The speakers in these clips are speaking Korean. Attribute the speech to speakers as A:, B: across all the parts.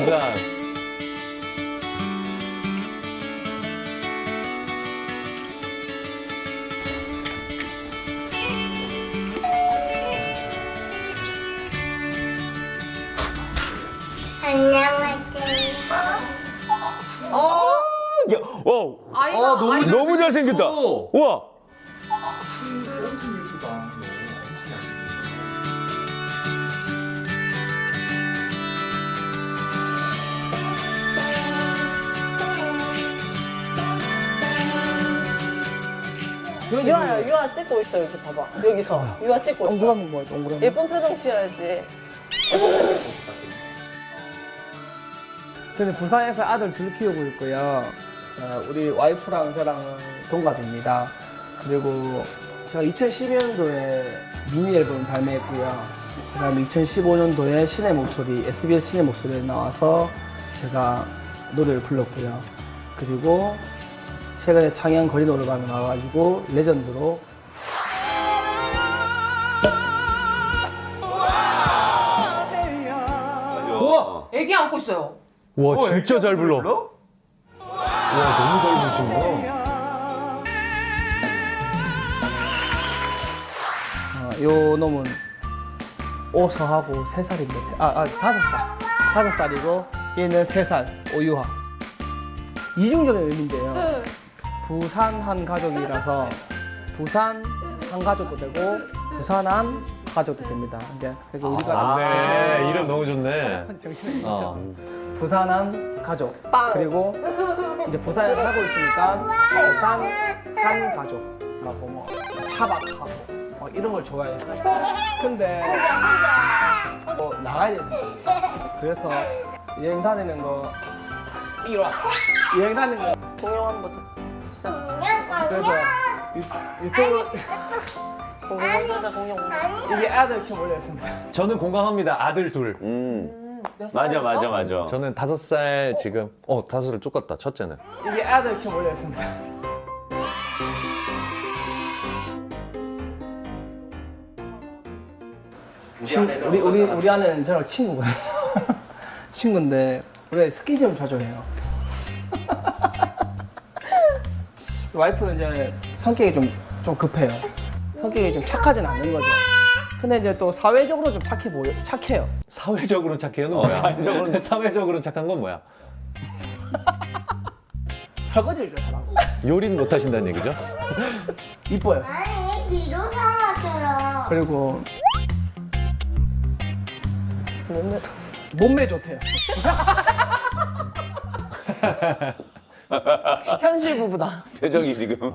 A: 부산. 야, 와, 너무 잘생겼다. 우와.
B: 유아 찍고 있어, 여기 봐봐. 여기서. 유아 찍고 있어.
C: 동그라미 뭐야, 동그라미?
B: 예쁜 표정 지어야지.
C: 저는 부산에서 아들 둘 키우고 있고요. 우리 와이프랑 저랑은 동갑입니다. 그리고 제가 2012년도에 미니 앨범 발매했고요. 그 다음에 2015년도에 신의 목소리, SBS 신의 목소리에 나와서 제가 노래를 불렀고요. 그리고 최근에 창양 거리 노래방에 나와가지고 레전드로
A: 우와.
D: 애기 안고 있어요.
A: 와, 진짜 잘 불러. 와, 너무 잘 부르시는구나.
C: 요 놈은 오서하고 3살인데, 5살. 5살이고, 얘는 3살, 오유하. 이중적인 의미인데요. 부산 한 가족이라서, 부산 한 가족도 되고, 부산한 가족도 됩니다. 이제, 그래서 우리가
A: 네, 이름 너무 좋네.
C: 정신이 있죠. 부산한 가족. 그리고 이제 부산에 살고 있으니까, 부산 한 가족라고 뭐, 차박하고, 이런 걸 좋아해요. 근데 나가야 된다. 그래서 여행 다니는 거 이리 와. 여행 다니는 거
B: 공룡 한번 보자.
C: 그래서 유튜브
B: 공룡 먼저 하자, 공룡 먼저.
C: 이게 아들 키워 올렸습니다.
A: 저는 공감합니다. 아들 둘.
D: 몇
E: 맞아,
D: 살이죠?
E: 맞아, 맞아.
A: 저는 5살 지금. 5살 쫓겼다. 첫째는.
C: 이게 아들 키워 올렸습니다. 우리 아내는 저랑 친구거든요. 친구인데 우리가 스킨십을 자주 해요. 와이프는 이제 성격이 좀 급해요. 성격이 좀 착하진 않는 거죠. 근데 이제 또 사회적으로 좀 착해요.
A: 사회적으로 착해요는 뭐야? 사회적으로 착한 건 뭐야?
C: 설거지를 좀 잘하고.
A: 요리는 못 하신다는 얘기죠?
C: 이뻐요.
F: 아니, 뒤로 삼아들어.
C: 그리고
B: 몸매도.
C: 몸매 좋대요.
D: 현실 부부다.
E: 표정이 지금.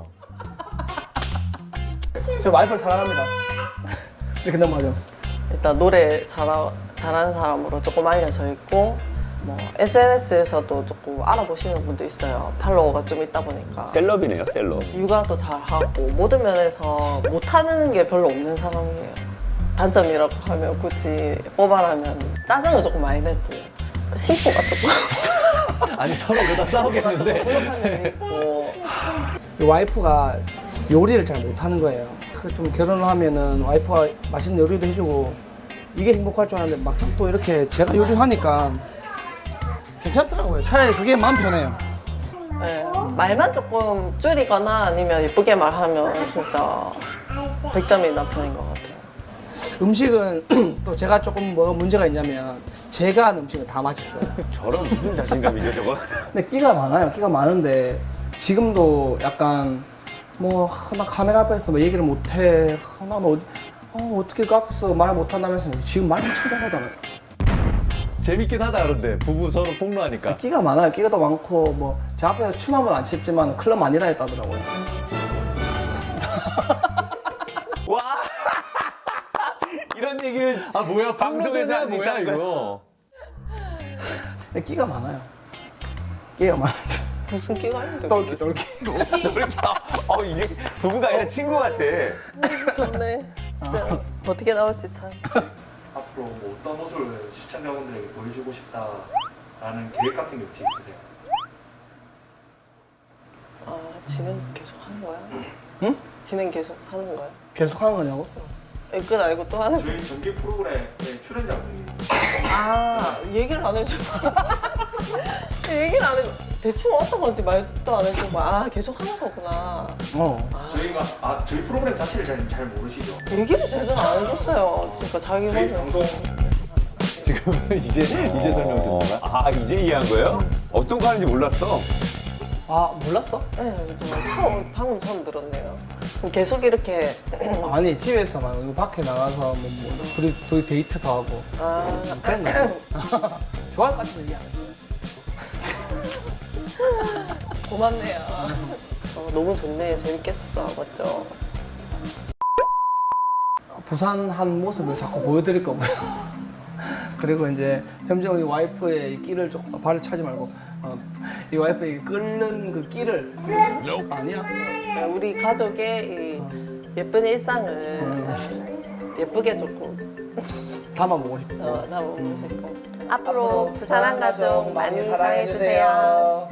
C: 저 와이프를 사랑합니다. 이렇게 넘어가죠.
B: 일단 노래 잘하는 사람으로 조금 알려져 있고, 뭐 SNS에서도 조금 알아보시는 분도 있어요. 팔로워가 좀 있다 보니까.
E: 셀럽이네요, 셀럽.
B: 육아도 잘하고 모든 면에서 못하는 게 별로 없는 사람이에요. 단점이라고 하면 굳이 뽑아라면 짜증을 조금 많이 내고 심보가 조금
A: 아니, 서로 그러다 싸우겠는데.
B: 부족한 면이 있고.
C: 이 와이프가 요리를 잘 못하는 거예요. 좀 결혼을 하면은 와이프가 맛있는 요리도 해주고 이게 행복할 줄 알았는데 막상 또 이렇게 제가 요리를 하니까 괜찮더라고요. 차라리 그게 마음 편해요.
B: 네, 말만 조금 줄이거나 아니면 예쁘게 말하면 진짜 100점이 남편인 것 같아요.
C: 음식은 또 제가 조금 뭐가 문제가 있냐면 제가 하는 음식은 다 맛있어요.
E: 저런 무슨 자신감이죠, 저거?
C: 근데 끼가 많아요. 끼가 많은데 지금도 약간 뭐 나 카메라 앞에서 뭐 얘기를 못해. 나는 어떻게 그 앞에서 말 못한다면서 지금 말 엄청 잘하잖아요.
A: 재밌긴 하다, 그런데. 부부 서로 폭로하니까.
C: 끼가 많아요. 끼가 더 많고 뭐 제 앞에서 춤 한 번 안 췄지만 클럽 많이 다녔다더라고요.
E: 와! 이런 얘기를
A: 아, 뭐야.
E: 방송에서 할 수
A: 뭐야,
E: 있다는 거야?
A: 이거.
C: 근데 끼가 많아요. 끼가 많아요.
B: 무슨 끼가 있는데?
C: 똘끼.
E: 이렇게, 이게 부부가 아니라 친구 같아.
B: 좋네. 진짜 어떻게 나올지 참.
G: 앞으로 뭐 어떤 모습을 시청자분들에게 보여주고 싶다라는 계획 같은 게 혹시 있으세요?
B: 아, 진행 계속 하는 거야?
C: 응?
B: 진행 계속 하는 거야?
C: 계속 하는 거냐고?
B: 끝 알고 또 하는 거야?
G: 저희 정기 프로그램의 출연자분이
B: 얘기를 안 해줬어. 얘기를 안 해줘. 대충 어떤 건지 말도 안 해주고 계속 하는 거구나.
G: 저희가 저희 프로그램 자체를 잘 모르시죠?
B: 얘기를 제대로 안 해줬어요. 그러니까 자기
G: 저희
B: 혼자.
G: 방송
A: 지금 이제 설명 듣는 거야?
E: 아, 이제 이해한 거예요? 어떤 거 하는지 몰랐어.
C: 아 몰랐어?
B: 네, 방금 처음 들었네요. 그럼 계속 이렇게
C: 아니 집에서 말고 밖에 나가서 둘이 데이트도 하고 그런 거 좋아할 것 같아서 얘기 안 했어요.
B: 고맙네요. 너무 좋네. 재밌겠어. 맞죠?
C: 부산 한 모습을 자꾸 보여드릴 거고요. 그리고 이제 점점 이 와이프의 끼를 좀 발을 차지 말고 이 와이프의 끓는 그 끼를 아니야?
B: 우리 가족의 이 예쁜 일상을 예쁘게 조금
C: 담아보고 싶고
B: 담아보고 싶고 앞으로 부산 한 가족 많이 사랑해주세요.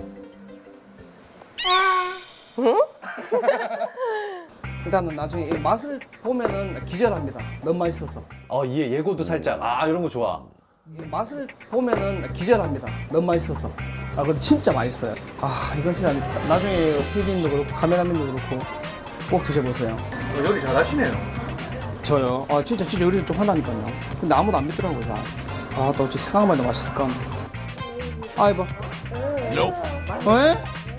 C: 일단은 나중에 이 맛을 보면은 기절합니다. 너무 맛있어서.
A: 예고도 살짝. 이런 거 좋아.
C: 이 맛을 보면은 기절합니다. 너무 맛있어서. 근데 진짜 맛있어요. 이건 진짜 나중에 PD님도 그렇고 카메라맨도 그렇고 꼭 드셔보세요.
G: 요리 잘하시네요.
C: 저요? 진짜 요리를 좀 하다니까요. 근데 아무도 안 믿더라고요, 잘. 또 어찌 생각만 해도 맛있을까? 이봐. 왜?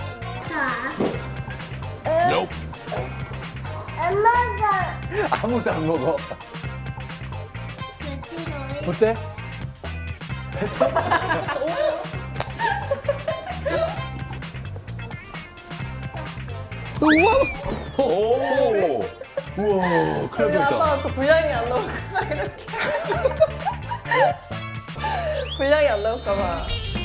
F: 엄마가
A: 아무도 안 먹어.
F: 몇
C: 어때?
A: 오! 우와, 큰일 날 뻔했다.
B: 아빠가 또 분량이 안 나올까봐 이렇게. 분량이 안 나올까봐.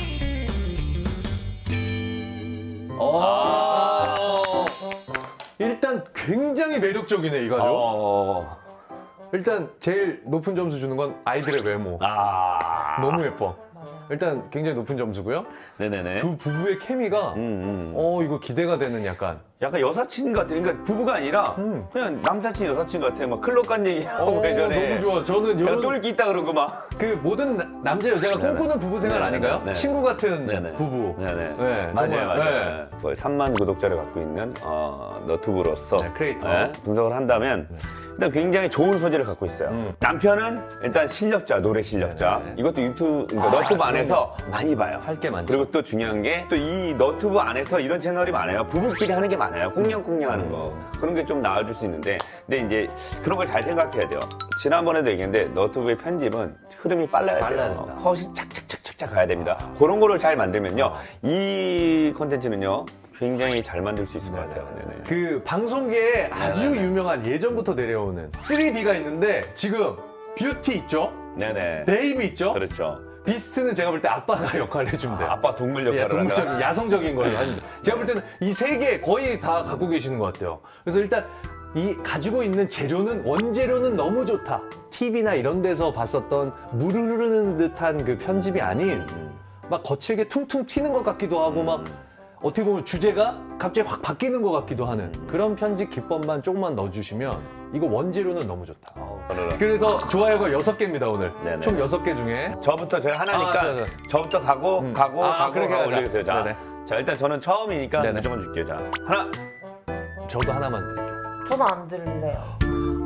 A: 일단 굉장히 매력적이네, 이 가족. 일단 제일 높은 점수 주는 건 아이들의 외모. 너무 예뻐. 일단 굉장히 높은 점수고요.
E: 네네네.
A: 두 부부의 케미가 이거 기대가 되는 약간.
E: 약간 여사친 같아. 그러니까 부부가 아니라 그냥 남사친 여사친 같아. 막 클럽 간 얘기하고 예전에.
A: 너무 좋아. 저는
E: 야,
A: 이런
E: 똘끼 있다 그러고 막.
A: 그 모든 남자 여자가
E: 네네.
A: 꿈꾸는 부부 생활
E: 네네.
A: 아닌가요?
E: 네네.
A: 친구 같은
E: 네네.
A: 부부.
E: 네네.
A: 네,
E: 맞아요,
A: 정말,
E: 맞아요. 거의 3만 구독자를 갖고 있는 너튜브로서
A: 네, 크리에이터.
E: 분석을 한다면 일단 굉장히 좋은 소재를 갖고 있어요. 남편은 일단 실력자, 노래 실력자.
A: 네네.
E: 이것도 유튜브, 그러니까 너튜브 안에서 많이 봐요.
A: 할 게 많죠.
E: 그리고 또 중요한 게 또 이 너튜브 안에서 이런 채널이 많아요. 부부끼리 하는 게 많아요. 꽁냥꽁냥 하는 거. 그런 게 좀 나와줄 수 있는데 근데 이제 그런 걸 잘 생각해야 돼요. 지난번에도 얘기했는데 너튜브의 편집은 흐름이 빨라야 돼요.
A: 된다.
E: 컷이 착착착착 가야 됩니다. 그런 거를 잘 만들면요. 이 콘텐츠는요. 굉장히 잘 만들 수 있을 것 같아요. 네네.
A: 그 방송계에 아주 유명한 예전부터 내려오는 3D가 있는데 지금 뷰티 있죠?
E: 네네.
A: 베이비 있죠?
E: 그렇죠.
A: 비스트는 제가 볼 때 아빠가 역할을 해줍니다.
E: 아빠 동물 역할을
A: 동물적인,
E: 한다.
A: 야성적인 걸 합니다. 제가 볼 때는 이 세 개 거의 다 갖고 계시는 것 같아요. 그래서 일단 이 가지고 있는 재료는 원재료는 너무 좋다. TV나 이런 데서 봤었던 물 흐르는 듯한 그 편집이 아닌 막 거칠게 퉁퉁 튀는 것 같기도 하고 막 어떻게 보면 주제가 갑자기 확 바뀌는 것 같기도 하는 그런 편집 기법만 조금만 넣어주시면 이거 원재료는 너무 좋다. 그래서 좋아요가 6개입니다 오늘.
E: 네네.
A: 총 6개 중에.
E: 저부터 제가 하나니까
A: 자.
E: 저부터 가고
A: 그렇게 가자.
E: 올리겠어요. 자,
A: 네네.
E: 자 일단 저는 처음이니까
A: 네네.
E: 무조건 줄게요. 자 하나.
A: 저도 하나만 드릴게요.
D: 저도 안 들을래요.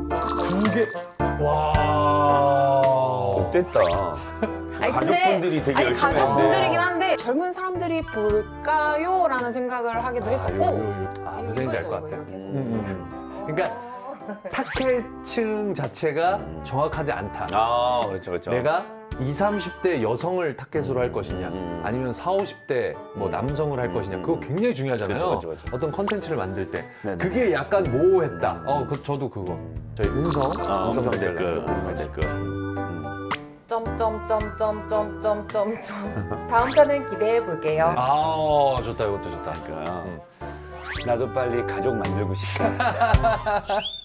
A: 2개. 와.
E: 못됐다. 가족분들이 되게 열심히
D: 가족분들이긴 한데 젊은 사람들이 볼까요? 라는 생각을 하기도 했었고
A: 무슨 얘기인지 알 것 같아요. 그러니까 타겟층 자체가 정확하지 않다.
E: 그렇죠, 그렇죠.
A: 내가 20, 30대 여성을 타겟으로 할 것이냐 아니면 40, 50대 뭐 남성을 할 것이냐 그거 굉장히 중요하잖아요.
E: 그렇죠.
A: 어떤 컨텐츠를 만들 때
E: 네네.
A: 그게 약간 모호했다. 저도 그거. 저희 음성
E: 음성
A: 댓글
E: 댓글.
A: 댓글.
D: 점점점점점점점 다음 편은 기대해 볼게요.
A: 좋다 이것도 좋다.
E: 나도 빨리 가족 만들고 싶다.